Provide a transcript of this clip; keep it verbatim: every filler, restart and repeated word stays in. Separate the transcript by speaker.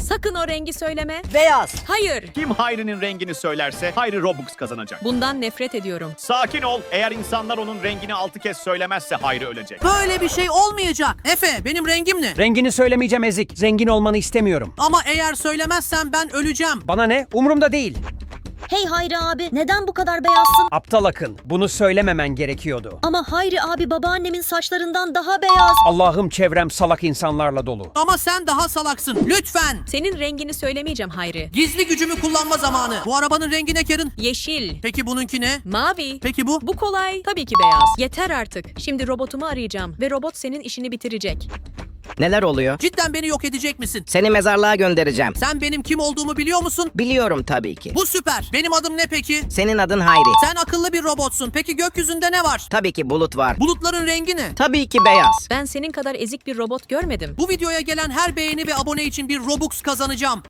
Speaker 1: Sakın o rengi söyleme.
Speaker 2: Beyaz.
Speaker 1: Hayır.
Speaker 3: Kim Hayri'nin rengini söylerse Hayri Robux kazanacak.
Speaker 1: Bundan nefret ediyorum.
Speaker 3: Sakin ol. Eğer insanlar onun rengini altı kez söylemezse Hayri ölecek.
Speaker 2: Böyle bir şey olmayacak. Efe, benim rengim ne?
Speaker 4: Rengini söylemeyeceğim Ezik. Zengin olmanı istemiyorum.
Speaker 2: Ama eğer söylemezsen ben öleceğim.
Speaker 4: Bana ne? Umurumda değil.
Speaker 5: Hey Hayri abi, neden bu kadar beyazsın?
Speaker 4: Aptal Akın. Bunu söylememen gerekiyordu.
Speaker 5: Ama Hayri abi babaannemin saçlarından daha beyaz.
Speaker 4: Allah'ım çevrem salak insanlarla dolu.
Speaker 2: Ama sen daha salaksın. Lütfen.
Speaker 1: Senin rengini söylemeyeceğim Hayri.
Speaker 2: Gizli gücümü kullanma zamanı. Bu arabanın rengi ne Karen?
Speaker 1: Yeşil.
Speaker 2: Peki bununki ne?
Speaker 1: Mavi.
Speaker 2: Peki bu?
Speaker 1: Bu kolay. Tabii ki beyaz. Yeter artık. Şimdi robotumu arayacağım ve robot senin işini bitirecek.
Speaker 6: Neler oluyor?
Speaker 2: Cidden beni yok edecek misin?
Speaker 6: Seni mezarlığa göndereceğim.
Speaker 2: Sen benim kim olduğumu biliyor musun?
Speaker 6: Biliyorum tabii ki.
Speaker 2: Bu süper. Benim adım ne peki?
Speaker 6: Senin adın Hayri.
Speaker 2: Sen akıllı bir robotsun. Peki gökyüzünde ne var?
Speaker 6: Tabii ki bulut var.
Speaker 2: Bulutların rengi ne?
Speaker 6: Tabii ki beyaz.
Speaker 1: Ben senin kadar ezik bir robot görmedim.
Speaker 2: Bu videoya gelen her beğeni ve abone için bir Robux kazanacağım.